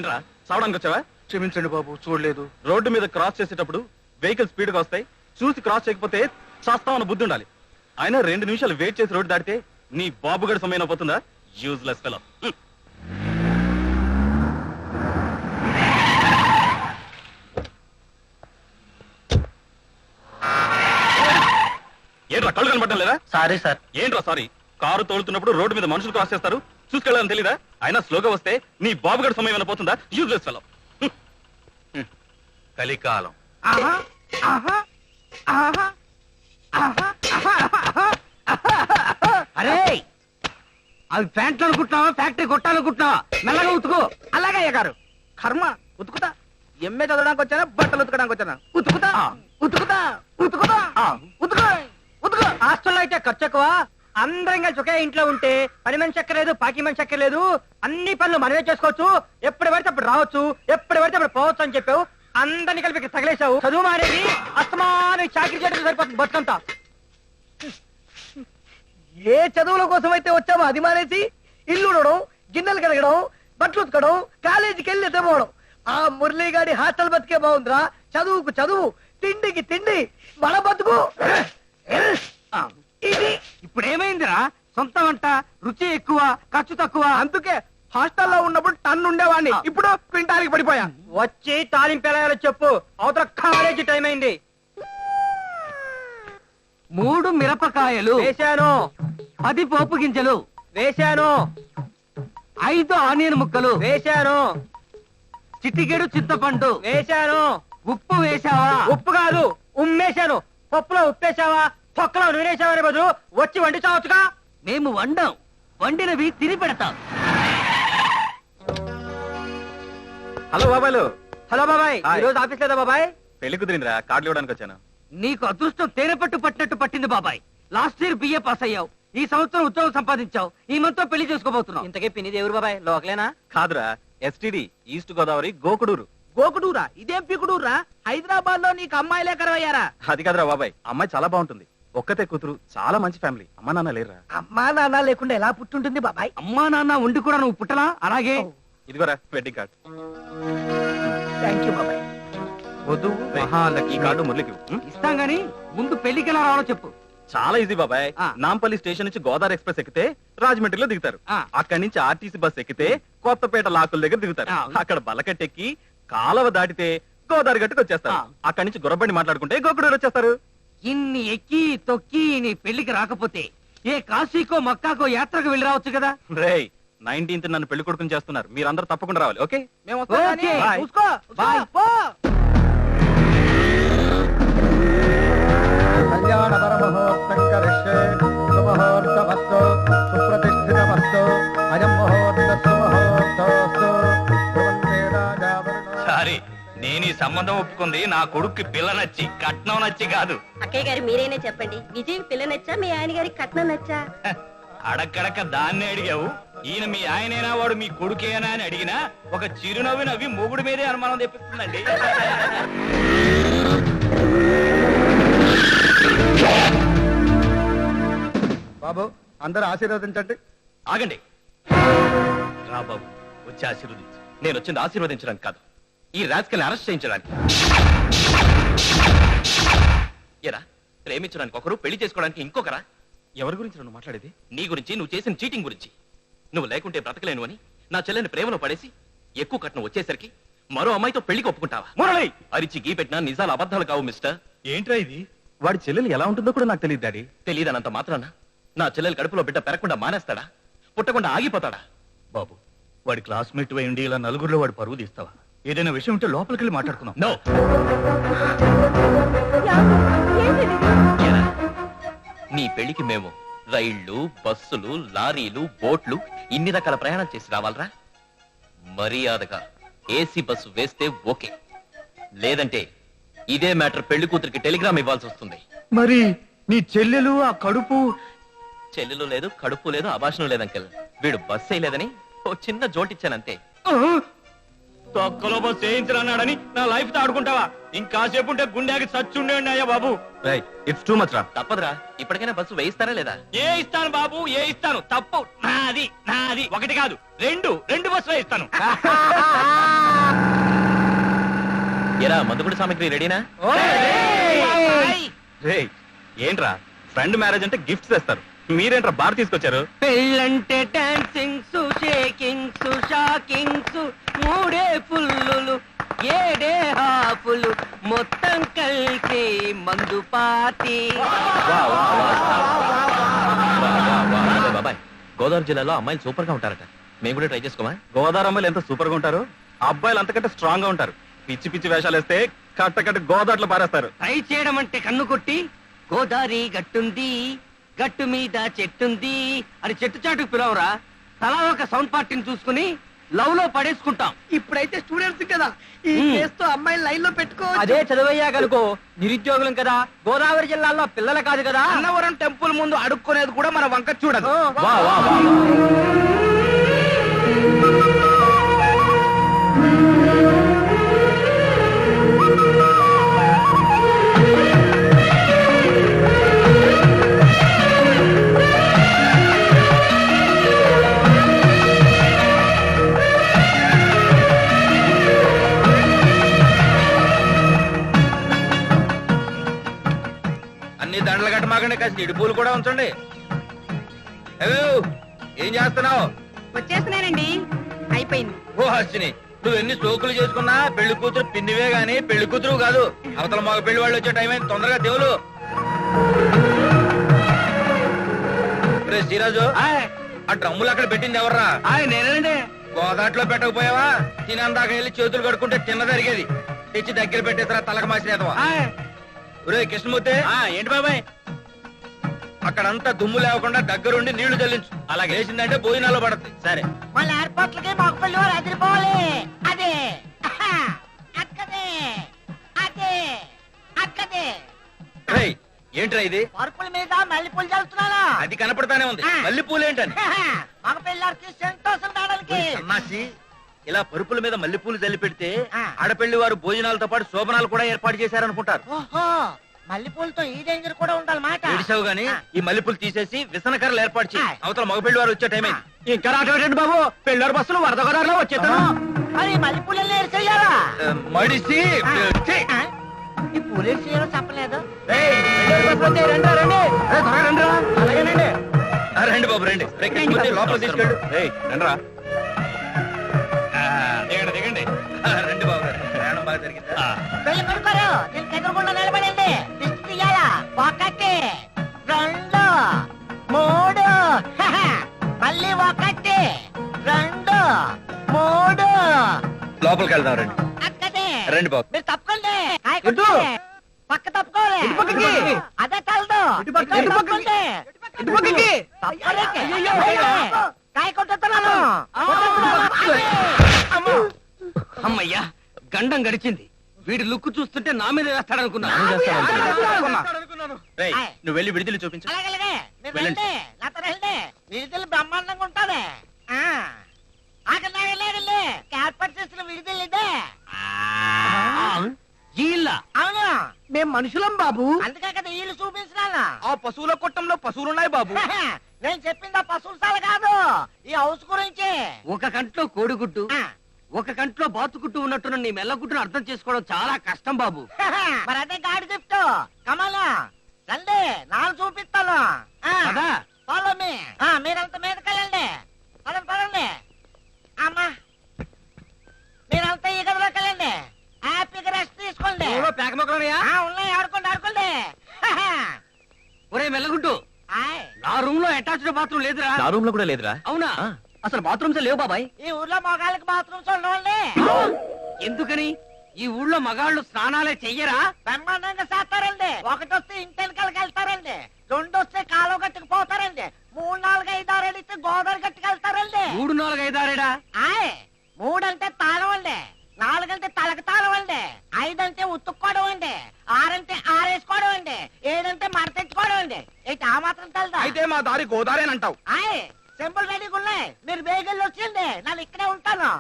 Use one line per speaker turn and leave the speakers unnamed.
ఏంట్రా చావడానికి వచ్చావా?
క్షమించండి బాబు, చూడలేదు.
రోడ్డు మీద క్రాస్ చేసేటప్పుడు వెహికల్ స్పీడ్ గా వస్తాయి, చూసి క్రాస్ చేయకపోతే చేస్తామన్న బుద్ధి ఉండాలి. అయినా 2 నిమిషాలు వెయిట్ చేసి రోడ్డు దాటితే నీ బాబు గడి సమయం పోతుందా? Useless fellow. ఏంట్రా కళ్ళు కనబడటం లేదా?
Sorry sir.
ఏంట్రా సారీ? కారు తోలుతున్నప్పుడు రోడ్డు మీద మనుషులు క్రాస్ చేస్తారు, చూసుకెళ్ళాలని తెలీదా? అయినా స్లోగా వస్తే నీ బాబు గడి సమయం పోతుందా? Useless fellow.
కలికాలం. అరే, అవి ప్యాంట్లు అనుకుంటున్నావా, ఫ్యాక్టరీ కొట్టాలనుకుంటున్నావా? మెల్లగా ఉతుకు.
అలాగే అయ్యగారు. కర్మ ఉతుకుతా. ఎంఏ చదవడానికి వచ్చానా, బట్టలు ఉతకడానికి వచ్చానా? ఉతుకుతా ఉతుకుతా ఉతుకుతా ఉతుకు ఉతుకు. హాస్టల్లో అయితే ఖర్చు ఎక్కువ. అందరం కలిసి ఒకే ఇంట్లో ఉంటే పని మనిషి ఎక్కలేదు, పాకి మనిషి ఎక్కలేదు. అన్ని పనులు మనమే చేసుకోవచ్చు. ఎప్పుడు పడితే అప్పుడు రావచ్చు, ఎప్పుడు పడితే అప్పుడు పోవచ్చు అని చెప్పావు. అందరినీ కలిపి తగిలేశావు. చదువు మానేది అస్తమానం చాకరీ చేయడం సరిపోతుంది బతుకంతా. ఏ చదువుల కోసం అయితే వచ్చామో అది మానేసి ఇల్లు ఉడడం, గిన్నెలు కడగడం, బట్టలు ఉతకడం, కాలేజీకి వెళ్ళి ఎత్తపోవడం. ఆ మురళీగాడి హాస్టల్ బతికే బాగుందిరా. చదువుకు చదువు, తిండికి తిండి, మన బతుకు ఇది.
ఇప్పుడు ఏమైందిరా? సొంత వంట, రుచి ఎక్కువ, ఖర్చు తక్కువ.
అందుకే హాస్టల్లో ఉన్నప్పుడు టన్ను ఉండేవాడిని, ఇప్పుడు క్వింటాల్కి పడిపోయా. వచ్చి తాలింపు ఎలా చెప్పు, అవతల కాలేజీ టైం అయింది.
3 మిరపకాయలు
వేశాను,
10 పోపు గింజలు
వేశాను,
5 ఆనియన్ ముక్కలు
వేశాను,
చిటికెడు చింతపండు
వేశాను.
ఉప్పు వేశావా?
ఉప్పు కాదు, ఉమ్మేశాను. పప్పులో ఉప్పేశావా, తొక్కలో నూనేశావనే బదులు వచ్చి వండి చావచ్చుగా.
మేము వండం, వండినవి తిని పెడతాం.
హలో బాబాయ్లు.
హలో బాబాయ్,
హాయ్.
ఈ రోజు ఆఫీస్ లేదా బాబాయ్?
పెళ్లి కుదిరిందిరా, కార్డులు ఇవ్వడానికి వచ్చాను.
నీకు అదృష్టం తేనె పట్టు పట్టినట్టు పట్టింది బాబాయ్. లాస్ట్ ఇయర్ బిఏ పాస్ అయ్యావు, ఈ సంవత్సరం ఉద్యోగం సంపాదించావు, ఈ మంత్ పెళ్లి చేసుకోబోతున్నావు.
ఇంతకీ పినిది ఎవరు బాబాయ్? లోకలేనా?
కాదురా, ఎస్టిడి ఈస్ట్ గోదావరి గోకుడూరు.
గోకుడూరా? ఇదేం పికుడూరా? హైదరాబాద్ లో నీకు అమ్మాయిలే కరవయ్యారా?
అది కాదురా బాబాయ్, అమ్మాయి చాలా బాగుంటుంది, ఒక్కతే కూతురు, చాలా మంచి ఫ్యామిలీ. అమ్మా నాన్న లేరురా.
అమ్మా నాన్న లేకుండా ఎలా పుట్టుంటుంది బాబాయ్?
అమ్మా నాన్న ఉండి కూడా నువ్వు పుట్టలా? అలాగే
ఇదిగోరా వెడ్డింగ్ కార్డ్.
థ్యాంక్ యూ బాబాయ్.
వధువు
ఈ
మహాలక్ష్మి.
కార్డు మురళికి ఇవ్వు.
ఇస్తాం గాని ముందు పెళ్లికి ఎలా రావాలో చెప్పు.
చాలా ఈజీ బాబాయ్.
ఆ.
నాంపల్లి స్టేషన్ నుంచి గోదావరి ఎక్స్ప్రెస్ ఎక్కితే రాజమండ్రిలో దిగుతారు.
ఆ.
అక్కడి నుంచి ఆర్టీసీ బస్ ఎక్కితే కొత్తపేట లాకుల దగ్గర దిగుతారు.
ఆ.
అక్కడ బలకట్టెక్కి కాలవ దాటితే గోదావరి గట్టుకు వచ్చేస్తారు.
ఆ.
అక్కడి నుంచి గుర్రబండి మాట్లాడుకుంటే గోకుడూరు వచ్చేస్తారు.
ఇన్ని ఎక్కి తొక్కి నీ పెళ్లికి రాకపోతే ఏ కాశీకో మక్కాకో యాత్రకు వెళ్ళి రావచ్చు కదా.
రేయ్, 19th నన్ను పెళ్లి కొడుకుని చేస్తున్నారు, మీరందరూ తప్పకుండా రావాలి. ఓకే,
మేము వస్తాం కానీ
ఓకే.
బాయ్.
చూసుకో.
బాయ్.
పో.
కళ్యాణ పరమహోత్సం కరిష్యే శుభహోర్తమస్తు సుప్రతిష్ఠితమస్తు అయం ముహూర్త సుముహూర్తోస్తు ధ్రువంతే రాజావరుణో.
సారీ, నేను ఈ సంబంధం ఒప్పుకుంది నా కొడుక్కి పిల్ల నచ్చి, కట్నం నచ్చి కాదు.
అక్కయ్య గారు మీరైనా చెప్పండి, విజయ్ పిల్ల నచ్చా మీ ఆయన గారికి కట్నం నచ్చా?
అడక్కడక్క దాన్నే అడిగావు. ఈయన మీ ఆయనేనా, వాడు మీ కొడుకేనా అని అడిగినా ఒక చిరునవ్వు నవ్వి మొగుడు మీదే అనుమానం తెప్పిస్తుందండి.
బాబు, అందరూ ఆశీర్వదించండి.
ఆగండి రా బాబు, వచ్చి ఆశీర్వదించు. నేను వచ్చింది ఆశీర్వదించడానికి కాదు, ఈ రాజకీయాన్ని అరెస్ట్ చేయించడానికి. ఎరా, ప్రేమించడానికి ఒకరు, పెళ్లి చేసుకోవడానికి ఇంకొకరా? ఎవరి గురించి నువ్వు మాట్లాడేది? నీ గురించి, నువ్వు చేసిన చీటింగ్ గురించి. నువ్వు లేకుంటే బ్రతకలేను అని నా చెల్లెని ప్రేమలో పడేసి ఎక్కువ కట్నం వచ్చేసరికి మరో అమ్మాయితో పెళ్లికి ఒప్పుకుంటావా? మురళి, అరిచి గీ పెట్టినా నిజాలు అబద్ధాలు కావు మిస్టర్. ఏంట్రా ఇది? వాడి చెల్లెలు ఎలా ఉంటుందో కూడా నాకు తెలియదు డాడీ. తెలియదనంత మాత్రాన నా చెల్లెలు కడుపులో బిడ్డ పెరగకుండా మానేస్తాడా? పుట్టకుండా ఆగిపోతాడా?
బాబు, వాడి క్లాస్మేట్ అయ్యండి ఇలా నలుగురిలో వాడు పరువు తీస్తావా? ఏదైనా విషయం ఉంటే లోపలికి వెళ్ళి మాట్లాడుకుందాం.
నో.
ఏంటిది?
ఎరా, నీ పెళ్లికి మేము రైళ్లు, బస్సులు, లారీలు, బోట్లు ఇన్ని రకాల ప్రయాణం చేసి రావాలరా? మర్యాదగా ఏసీ బస్సు వేస్తే ఓకే, లేదంటే ఇదే మ్యాటర్ పెళ్లి కూతురికి టెలిగ్రామ్ ఇవ్వాల్సి వస్తుంది.
మరి నీ చెల్లెలు ఆ కడుపు
చెల్లెలు లేదు, కడుపు లేదు, అభాషణం లేదు అంకెల్. వీడు బస్ వేయలేదని ఓ చిన్న జోటిచ్చానంతే.
తొక్కలో బస్ చేయించరన్నాడని నా లైఫ్ తో ఆడుకుంటావా? ఇంకాసేపు ఉంటే గుండెకి చచ్చుండేండి అయ్యా బాబు.
ఇట్స్ టూ మచ్ రా. తప్పదురా, ఇప్పటికైనా బస్సు వేయిస్తారా లేదా?
ఏ ఇస్తాను బాబు, ఏ ఇస్తాను. తప్పు నాది. ఒకటి కాదు, రెండు బస్సులు ఇస్తాను.
ఎరా మందుగుడి సామాగ్రి రెడీనా? ఏంట్రా ఫ్రెండ్ మ్యారేజ్ అంటే గిఫ్ట్స్ తెస్తారు, మీరేంట్రా బార్ తీసుకొచ్చారు?
పెళ్ళంటే డాన్సింగ్స్, షేకింగ్స్, షాకింగ్స్, మూడే ఫుల్లులు, ఏడే హాఫులు, మొత్తం కలిసి మందు పార్టీ.
బాబాయ్, గోదావరి జిల్లాలో అమ్మాయిలు సూపర్ గా ఉంటారట, మేము కూడా ట్రై చేసుకోమా?
గోదావరి అమ్మాయిలు ఎంత సూపర్ గా ఉంటారు, అబ్బాయిలు అంతకంటే స్ట్రాంగ్ గా ఉంటారు. పిచ్చి పిచ్చి వేషాలు వేస్తే కట్ట గోదావరిలో పారేస్తారు.
ట్రై చేయడం అంటే కన్ను కొట్టి గోదావరి గట్టుంది, గట్టు మీద చెట్టుంది అని చెట్టు చాటుకు పిలవరా. తలా ఒక సౌండ్ పార్టీని చూసుకుని లవ్ లో పడేసుకుంటాం.
ఇప్పుడైతే స్టూడెంట్స్ కదా, ఈ కేసుతో అమ్మాయి లైన్ లో పెట్టుకో.
అదే చదువయ్యాకనుకో నిరుద్యోగులం కదా, గోదావరి జిల్లాలో పిల్లలు కాదు కదా.
అన్నవరం టెంపుల్ ముందు అడుక్కునేది కూడా మన వంక చూడదు.
అన్ని దండలు కట్టమాకండి, కాస్త ఇడుపులు కూడా ఉంచండి. ఏం చేస్తున్నావు?
వచ్చేస్తున్నానండి, అయిపోయింది.
ఓ హర్షిని, నువ్వు ఎన్ని సోకులు చేసుకున్నా పెళ్లి కూతురు పిన్నివే గాని పెళ్లి కూతురు కాదు. అవతల మాకు పెళ్లి వాళ్ళు వచ్చే టైం అయింది, తొందరగా దేవులు. శ్రీరాజు, ఆ డ్రమ్ములు అక్కడ పెట్టింది ఎవర్రా?
నేనండి.
గోదాట్లో పెట్టకపోయావా? తినందాక వెళ్ళి చేతులు కడుక్కుంటే తిన్న జరిగేది. తెచ్చి దగ్గర పెట్టేసరా తలక మాసినేదవా? ఒరే కృష్ణమూర్తి,
ఏంటి బాబాయ్?
అక్కడంతా దుమ్ము లేకుండా దగ్గరుండి నీళ్లు చల్లించు. అలాగే వేసిందంటే భోజనాల్లో పడుతుంది. సరే,
మన ఏర్పాట్లకి మాకు పెళ్లి వారు అదిరిపోవాలి. అదే అక్కదే అదే అక్కదే.
ఏంట్రా ఇది?
పరుపుల మీద మల్లెపూలు చల్లుతున్నానా?
అది కనపడతానే ఉంది, మళ్ళీ పూలేంటని.
మగ పిల్లలకి సంతోషం రావడానికి.
సన్నాసి, ఇలా పరుపుల మీద మల్లెపూలు జల్లి పెడితే ఆడపెళ్లి వారు భోజనాలతో పాటు శోభనాలు కూడా ఏర్పాటు చేశారనుకుంటారు.
ఓహో, మల్లెపూలతో ఈ డేంజర్ కూడా ఉండాలన్నమాట.
ఏడిసావు గానీ ఈ మల్లెపూలు తీసేసి విసనకర్రలు ఏర్పాటు చేయి. అవతల మగపెళ్లి వారు వచ్చే టైం అయింది.
ఇంకా రావటం బాబు, పెళ్ళారు బస్సులు వరద గోదావరిలో వచ్చేస్తాను.
మరి మల్లెపూలు ఏర్చేయాలా?
మడిసి
ఈ పూలేరు చేయడం చెప్పలేదు.
అలాగేనండి.
రండి బాబు రండి. లోపల తీసుకెళ్ళు. రండిరా.
దిగండి.
రండి బాబు గారు, ప్రయాణం బాగా జరిగిందా?
పెళ్లి కొడుకోరు, దీనికి ఎదురుకుండా నిలబడండి. దిష్టి తీయాలా? ఒకటి, రెండు, మూడు. మళ్ళీ ఒకటి, రెండు, మూడు.
లోపలికి వెళ్దాం రండి.
అక్కడే
రండి బాబు.
మీరు తప్పుకోండి. కాయ కొట్టండి. పక్క తప్పుకోవాలి. అదే తలదు. తప్పుకోండి. కాయ కొట్టుతున్నాను.
అమ్మయ్యా, గండం గడిచింది. వీడి లుక్ చూస్తుంటే నా మీద వేస్తాడనుకున్నా.
రేయ్, నువ్వు వెళ్ళి విడుదల చూపించు.
అలాగే మీరు రండి, నాతో రండి. విడుదల బ్రహ్మాండంగా ఉంటాది. ఆగండి, ఏర్పాటు చేసిన విడుదల ఇదే. అవును, మేము మనుషులం బాబు. అందుకే కదా వీళ్ళు చూపించినా.
ఆ పశువుల కొట్టంలో పశువులున్నాయి బాబు.
నేను చెప్పింది ఆ పశువుల సాల కాదు, ఈ హౌస్ గురించి.
ఒక కంట్లో కోడిగుడ్డు, ఒక కంట్లో బాతుగుడ్డు ఉన్నట్టున్న నీ మెల్లగుడ్డును అర్థం చేసుకోవడం చాలా కష్టం బాబు.
మరి అదే గాడి గిఫ్ట్. కమలా రండి, నాలుగు చూపిస్తాను.
కదా
ఫాలో మీ. మీరంతా మీదకి వెళ్ళండి. పదండి పదండి. అమ్మా, మీరంతా ఈ గదిలోకి వెళ్ళండి. హ్యాపీగా రెస్ట్ తీసుకోండి.
పేక మొక్కలున్నాయా?
ఉన్నాయి, ఆడుకోండి ఆడుకోండి.
ఒరే మెల్లగుడ్డు, నా రూమ్ లో అటాచ్డ్ బాత్రూమ్ లేదురా.
నా రూమ్ లో కూడా లేదురా.
అవునా? అసలు బాత్రూమ్స్ లేవు బాబాయ్.
ఈ ఊర్లో మగాళ్ళకి బాత్రూమ్స్ ఉండవండి.
ఎందుకని? ఈ ఊళ్ళో మగాళ్ళు స్నానాలే చెయ్యరా?
బ్రహ్మాండంగా చేస్తారండి. ఒకటి వస్తే ఇంటెనకాలకి వెళ్తారండి, రెండు వస్తే కాలువ గట్టుకు పోతారండి, 3, 4, 5, 6 అడిగితే గోదావరి గట్టుకు వెళ్తారండి.
3, 4, 5, 6
3 అంటే తాళం అండి, 4 అంటే తలక తాళం అండి, 5 అంటే ఉతుక్కోవడం అండి, 6 అంటే ఆరేసుకోవడం అండి, 7 అంటే మడతెట్టుకోవడం అండి. ఏంటి ఆ మాత్రం తెలదా?
అయితే మా దారి గోదారేనంటావు.